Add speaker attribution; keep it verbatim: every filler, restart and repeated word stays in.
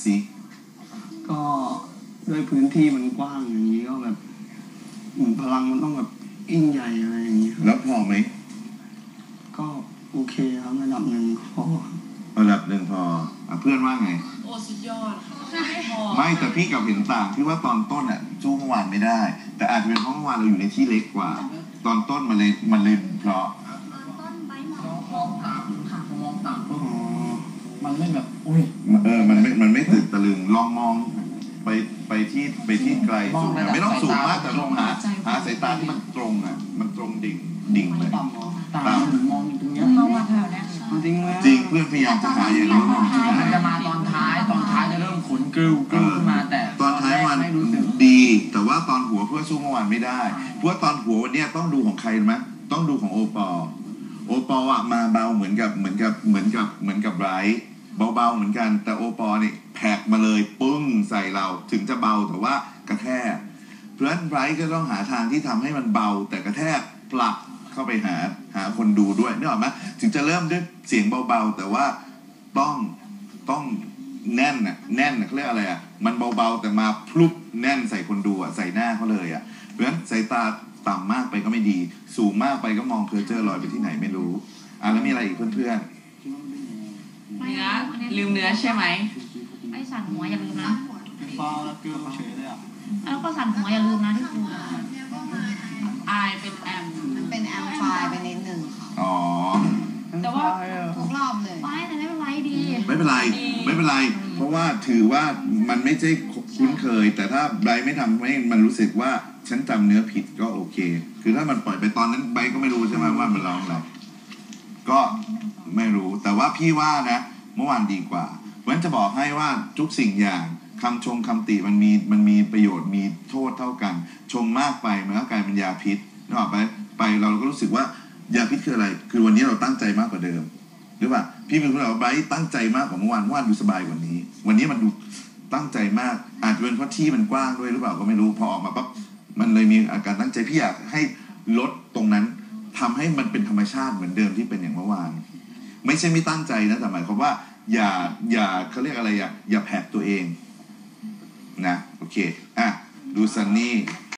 Speaker 1: สิ
Speaker 2: ก็ด้วยพื้นที่มันกว้างอย่างนี้ก็แบบพลังมันต้องแบบยิ่งใหญ่อะไรอย่างนี้
Speaker 1: แล้วพอไหม
Speaker 2: ก็โอเคครับระดับหนึ่งพอ
Speaker 1: ระดับหนึ่งพออ่ะเพื่อนว่าไง
Speaker 3: โอ้สุดยอดค่ะไม่พอ
Speaker 1: ไม่แต่พี่กับเห็นต่างที่ว่าตอนต้นอ่ะสู้เมื่อวานไม่ได้แต่อาจจะเป็นเพราะเมื่อวานเราอยู่ในที่เล็กกว่าตอนต้นมันเลยมันเลยเพราะ
Speaker 4: มองต่ำค่ะมองต่ำมันไม่แบบอุ้ย
Speaker 1: เออมันไม่มันไม่ตื่นตะลึงลองมองไปไปที่ไปที่ไกลสูงไม่ต้องสูงมากแต่ลองหาหาสายตาที่มันตรงอ่ะมันตรงดิ่งดิ่งเลย
Speaker 4: ต่ำต่ำมองตรงนี้
Speaker 3: มองมาแถวนี้
Speaker 2: จริง
Speaker 1: จริงเพื่อนพยายามจะหาอย่างนี้มองที่ไหน
Speaker 4: มันจะมาตอนท้ายตอนท้ายจะเริ่มขุนกริ้วกริ้วขึ้นมาแต่
Speaker 1: ตอนท้ายวันดีแต่ว่าตอนหัวเพื่อสู้เมื่อวานไม่ได้เพราะว่าตอนหัววันนี้ต้องดูของใครไหมต้องดูของโอปอโอปออ่ะมาเบาเหมือนกับเหมือนกับเหมือนกับเหมือนกับไบรท์เบาๆเหมือนกันแต่โอปอเนี่ยแผกมาเลยปึ้งใส่เราถึงจะเบาแต่ว่ากระแทกเพราะฉะนั้นไบรท์ก็ต้องหาทางที่ทำให้มันเบาแต่กระแทกปลักเข้าไปหาหาคนดูด้วยนึกออกไหมถึงจะเริ่มด้วยเสียงเบาๆแต่ว่าต้องต้องแน่นน่ะแน่นน่ะเขาเรียกอะไรอ่ะมันเบาๆแต่มาพลุบแน่นใส่คนดูอ่ะใส่หน้าเขาเลยอ่ะเพราะฉะนั้นสายตาต่ำมากไปก็ไม่ดีสูงมากไปก็มองเพลเจอร์ลอยไปที่ไหนไม่รู้อ่ะแล้วมีอะไรอีกเพื่อนๆ
Speaker 3: เนื้อลืมเนื้อใช่ไหม
Speaker 5: ไอ้สั่นหัวอย่าลืมนะ
Speaker 2: ฟ้าแล้วเกลือเฉยเลยอ่ะ
Speaker 5: แล้วก็สั่นหัวอย่าลืมนะที่ครู
Speaker 3: อายเป็นแอม
Speaker 6: เป็นแอมไฟไปนิดหนึ่งค่ะ
Speaker 1: อ๋อ
Speaker 3: แต่ว่า
Speaker 6: ทุกรอบเลย
Speaker 5: ไม่แต่ไม่เป็นไรดี
Speaker 1: ไม่เป็นไรไม่เป็นไรเพราะว่าถือว่ามันไม่ใช่คุ้นเคยแต่ถ้าไบรท์ไม่ทำให้มันรู้สึกว่าฉันจำเนื้อผิดก็โอเคคือถ้ามันปล่อยไปตอนนั้นไบรท์ก็ไม่รู้ใช่ไหมว่ามันร้องอะไรก็ไม่รู้แต่ว่าพี่ว่านะเมื่อวานดีกว่าเพราะฉะนั้นจะบอกให้ว่าทุกสิ่งอย่างคำชมคำติมันมีมันมีประโยชน์มีโทษเท่ากันชมมากไปมันก็กลายเป็นยาพิษนึกออกไปไปเราก็รู้สึกว่ายาพิษคืออะไรคือวันนี้เราตั้งใจมากกว่าเดิมหรือว่าพี่เป็นคนบอกว่าไบรท์ตั้งใจมากกว่าเมื่อวานเมื่อวานดูสบายกว่านี้วันนี้มันดูตั้งใจมากอาจจะเป็นเพราะที่มันกว้างด้วยหรือเปล่าก็ไม่รู้พอออกมาปั๊บมันเลยมีอาการตั้งใจพี่อยากให้ลดตรงนั้นทำให้มันเป็นธรรมชาติเหมือนเดิมที่เป็นอย่างเมื่อวานไม่ใช่ไม่ตั้งใจนะแต่หมายความว่าอย่าอย่าเขาเรียกอะไรอย่าอย่าแผกตัวเองนะโอเคอ่ะดูซันนี่